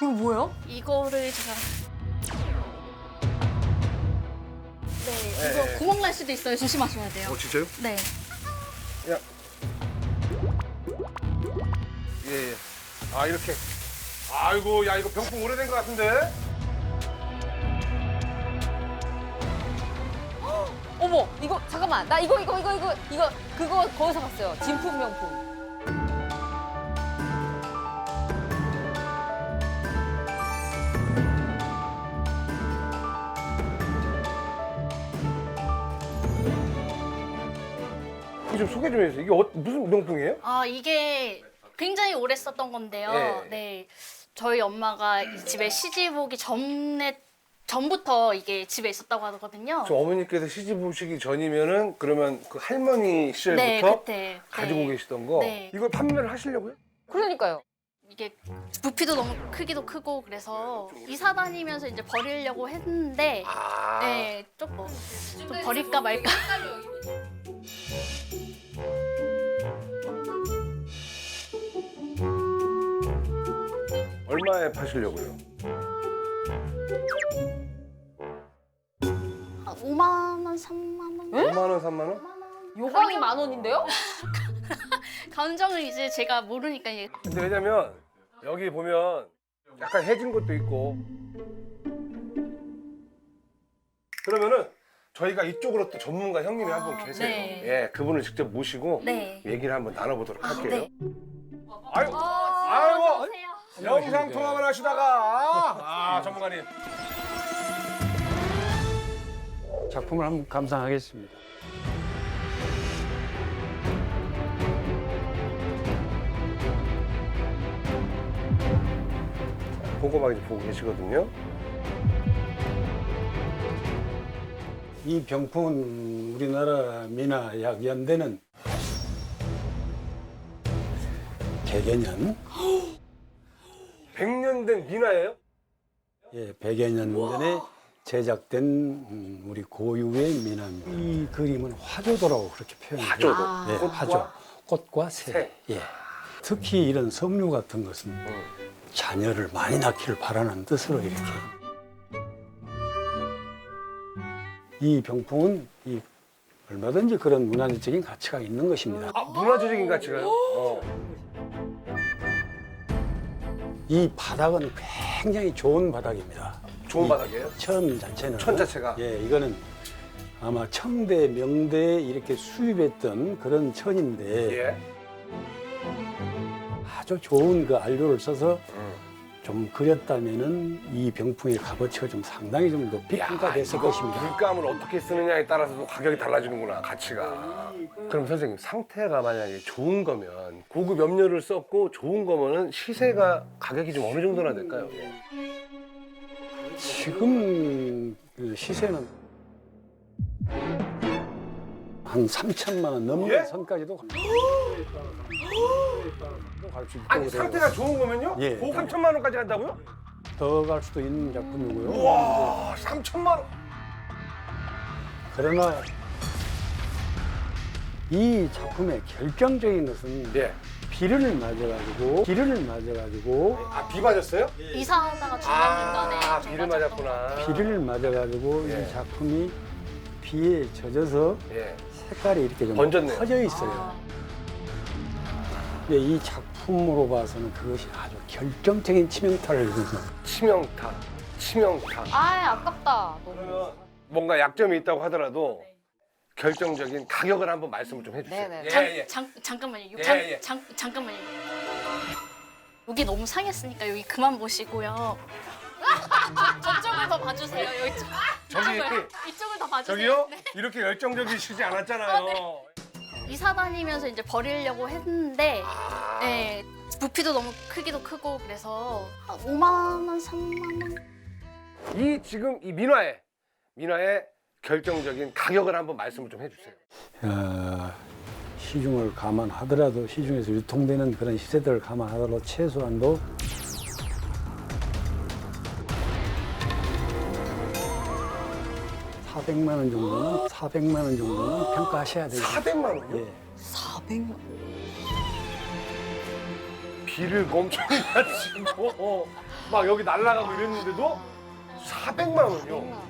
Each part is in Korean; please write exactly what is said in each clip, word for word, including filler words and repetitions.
이거 뭐예요? 이거를 제가 네, 이거 네. 구멍 날 수도 있어요. 조심하셔야 돼요. 어, 진짜요? 네. 야. 예, 예. 아, 이렇게. 아이고, 야, 이거 병풍 오래된 것 같은데? 어머, 이거 잠깐만. 나 이거 이거 이거 이거 이거 그거 거기서 봤어요. 진품 명품. 이거 좀 소개 좀 해주세요. 이게 어, 무슨 명품이에요? 아, 이게 굉장히 오래 썼던 건데요. 네. 네. 저희 엄마가 이 집에 시집 오기 전에 전부터 이게 집에 있었다고 하거든요. 저 어머니께서 시집 오시기 전이면은 그러면 그 할머니 시절부터 네, 그때 가지고 네. 계시던 거 네. 이걸 판매를 하시려고요? 그러니까요. 이게 부피도 너무 크기도 크고 그래서 이사 다니면서 이제 버리려고 했는데 아, 네, 조금 좀 버릴까 말까. 얼마에 파시려고요? 한 오만 원, 삼만 원? 오만 원, 삼만 원? 요강이 만 원인데요? 감정을 이제 제가 모르니까 이게 근데 왜냐면 여기 보면 약간 해진 것도 있고 그러면은 저희가 이쪽으로 또 전문가 형님이 한 분 계세요. 네. 예, 그분을 직접 모시고 네. 얘기를 한번 나눠보도록 할게요. 네. 아유, 아이고, 영상 통화만 하시다가 아, 전문가님. 작품을 한번 감상하겠습니다. 꼼꼼하게 보고 계시거든요. 이 병풍은 우리나라 미나 약 연대는 백여 년, 백 년 된 미나예요? 예, 백여 년 전에 제작된 음, 우리 고유의 미나입니다. 이 그림은 화조도라고 그렇게 표현해요. 화조도. 아. 예, 꽃과 화조. 꽃과 새. 새. 예. 특히 이런 석류 같은 것은 음. 자녀를 많이 낳기를 바라는 뜻으로 이렇게. 이 병풍은 이 얼마든지 그런 문화적인 가치가 있는 것입니다. 아, 문화재적인 가치가요? 어. 이 바닥은 굉장히 좋은 바닥입니다. 좋은 이 바닥이에요? 천 자체는. 천 자체가? 예, 이거는 아마 청대, 명대에 이렇게 수입했던 그런 천인데 예. 아주 좋은 그 안료를 써서 음. 좀 그렸다면은 이 병풍의 값어치가 좀 상당히 좀 높이 평가됐을 이거 것입니다. 물감을 어떻게 쓰느냐에 따라서도 가격이 달라지는구나, 가치가. 그럼 선생님, 상태가 만약에 좋은 거면 고급 염료를 썼고 좋은 거면은 시세가 가격이 좀 어느 정도나 될까요? 지금 그 시세는 한 삼천만 원 넘는 예? 선까지도 갈 수 있고 아니, 상태가 좋은 거면요? 예. 삼천만 원까지 간다고요? 더 갈 수도 있는 작품이고요. 와, 삼천만 원. 그러나 이 작품의 결정적인 것은 예. 비를 맞아가지고 비를 맞아가지고 아, 비 맞았어요? 이사하다가 중간중간에 아, 좀 비를 맞았던 맞았구나. 비를 맞아가지고 예. 이 작품이 비에 젖어서 예. 색깔이 이렇게 좀 번졌네요. 퍼져 있어요. 아. 근데 이 작품으로 봐서는 그것이 아주 결정적인 치명타를 입은 치명타, 치명타. 아, 아깝다. 너무. 그러면 뭔가 약점이 있다고 하더라도 결정적인 가격을 한번 말씀을 좀 해주세요. 네네. 예, 잠, 예. 잠, 잠깐만요. 예, 잠, 예. 잠, 잠깐만요. 여기 너무 상했으니까 여기 그만 보시고요. 저쪽을 더 봐주세요. 여기 쪽- 저기 이쪽을, 이쪽을 더 봐주세요. 저기요? 네. 이렇게 열정적이시지 않았잖아요. 이사 다니면서 이제 버리려고 했는데 아, 네, 부피도 너무 크기도 크고 그래서 한 오만 원, 삼만 원? 이 지금 이 민화의 민화의 결정적인 가격을 한번 말씀을 좀 해주세요. 어, 시중을 감안하더라도 시중에서 유통되는 그런 시세들을 감안하더라도 최소한도 사백만 원 정도는 사백만 원 정도는 평가하셔야 되죠. 사백만 원요? 예. 사백만 비를 엄청 가지고 막 여기 날아가고 이랬는데도 사백만 원이요.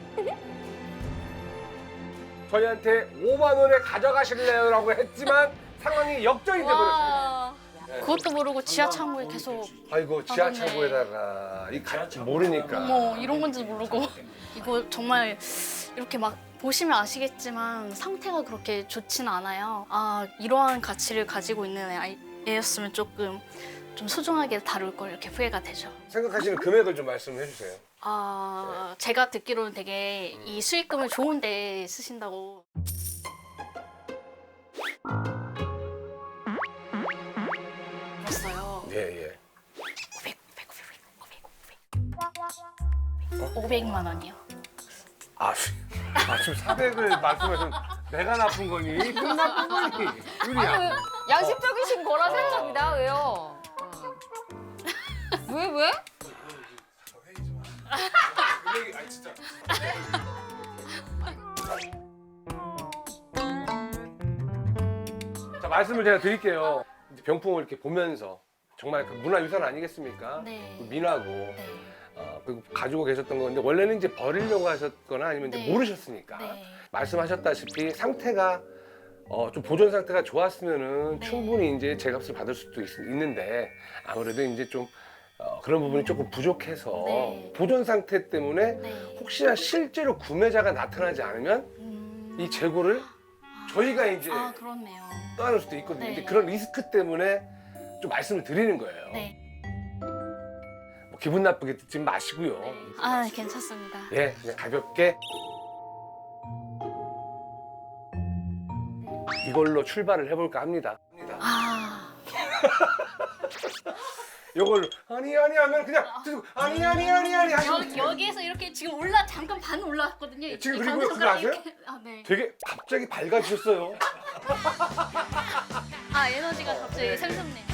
저희한테 오만 원에 가져가실래요? 라고 했지만 상황이 역전이 돼버렸어요. 와. 그것도 모르고 지하 창고에 계속 아이고 지하 네. 창고에다가 이 가, 모르니까. 어머 이런 건지 모르고 이거 정말 이렇게 막 보시면 아시겠지만 상태가 그렇게 좋지는 않아요. 아 이러한 가치를 가지고 있는 아이- 애였으면 조금 좀 소중하게 다룰 걸 이렇게 후회가 되죠. 생각하시는 금액을 좀 말씀해 주세요. 아 제가 듣기로는 되게 이 수익금을 좋은 데 쓰신다고. 들었어요. 예 예. 오백, 오백, 오백, 오백, 오백. 오백만 원이요. 아, 수- 아 지금 사백을 말씀하신 내가 나쁜 거니? 큰 나쁜 거니? 유리야. 아니, 왜 양심적이신 거라 생각합니다. 왜요? 어. 왜 왜? 자 말씀을 제가 드릴게요. 이제 병풍을 이렇게 보면서 정말 그 문화유산 아니겠습니까? 네. 그 민화고 네. 어, 그리고 가지고 계셨던 건데 원래는 이제 버리려고 하셨거나 아니면 이제 네. 모르셨으니까 네. 말씀하셨다시피 상태가 어, 좀 보존 상태가 좋았으면은 네. 충분히 이제 제값을 받을 수도 있, 는데 아무래도 이제 좀 어, 그런 부분이 조금 부족해서 네. 보존 상태 때문에 네. 혹시나 실제로 구매자가 나타나지 않으면 음... 이 재고를 저희가 이제 아 그렇네요. 떠나는 수도 있거든요. 네. 근데 그런 리스크 때문에 좀 말씀을 드리는 거예요. 네. 뭐 기분 나쁘게 듣지 마시고요. 아 괜찮습니다. 예, 그냥 가볍게 이걸로 출발을 해볼까 합니다. 아 이걸 아니 아니 하면 그냥 계속 아니 아니 아니 아니 하시면 여, 여기에서 이렇게 지금 올라 잠깐 반 올라왔거든요. 예, 지금 이 그리고요, 가운데 그거 손가락이 아세요? 이렇게- 아 네. 되게 갑자기 밝아지셨어요. 아 에너지가 갑자기 네. 샘솟네요.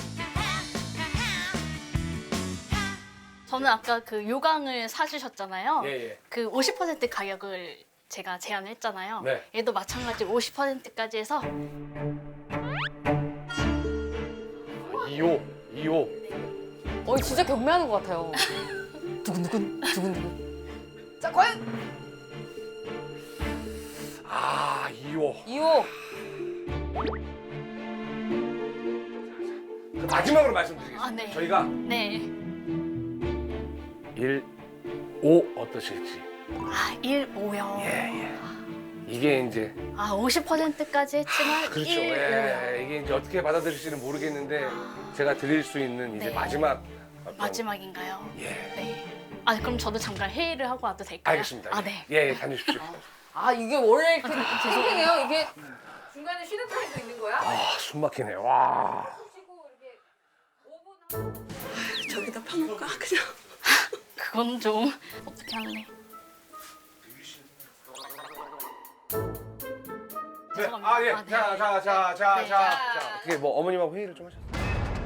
저는 아까 그 요강을 사주셨잖아요. 예, 예. 그 오십 퍼센트 가격을 제가 제안을 했잖아요. 네. 얘도 마찬가지로 오십 퍼센트까지 해서 이호, 이호. 어 진짜 경매하는 것 같아요. 두근두근 두근두근. 자 과연 아, 이호. 이호 그 마지막으로 말씀드리겠습니다. 아, 네. 저희가 네. 일, 오 어떠실지. 아 일, 오요. 예, 예. 이게 이제 아 오십 퍼센트까지 했지만 그렇죠. 일, 예, 오요. 이게 이제 어떻게 받아들일지는 모르겠는데 제가 드릴 수 있는 이제 네. 마지막 어떤- 마지막인가요? 예. 네. 아 그럼 저도 잠깐 회의를 하고 와도 될까요? 알겠습니다. 아 네. 예, 예, 다녀오십시오. 아 이게 원래 이렇게 죄송해요. 이게 중간에 쉬는 타임도 있는 거야? 아, 숨 막히네. 와. 쉬고 이렇게 오 분 저기다 파볼까 그냥. 그건 좀 어떻게 할래? 네. 죄송합니다. 아, 예. 아, 네. 자, 자, 자, 자, 네. 자. 자, 어떻게 뭐 어머님하고 회의를 좀 하셨어요?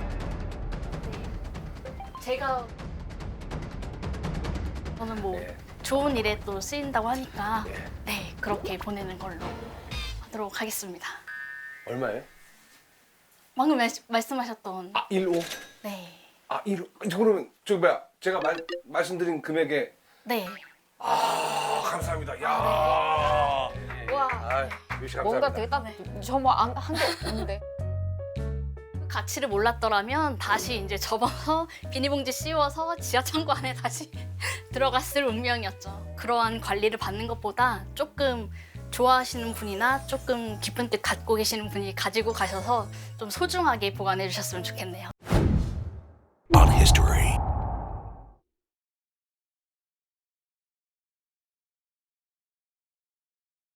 제가 저는 뭐 예. 좋은 일에 또 쓰인다고 하니까 예. 네 그렇게 보내는 걸로 하도록 하겠습니다. 얼마예요? 방금 말, 말씀하셨던 아, 일, 오. 네. 아, 일, 오. 그러면 저기 뭐야? 제가 말, 말씀드린 금액에 네. 아, 감사합니다. 야. 와 아, 유씨 감사합니다. 뭔가 되게 딱저뭐한 게 없는데. 그 가치를 몰랐더라면 다시 이제 접어서 비닐봉지 씌워서 지하 창고 안에 다시 들어갔을 운명이었죠. 그러한 관리를 받는 것보다 조금 좋아하시는 분이나 조금 깊은 뜻 갖고 계시는 분이 가지고 가셔서 좀 소중하게 보관해 주셨으면 좋겠네요.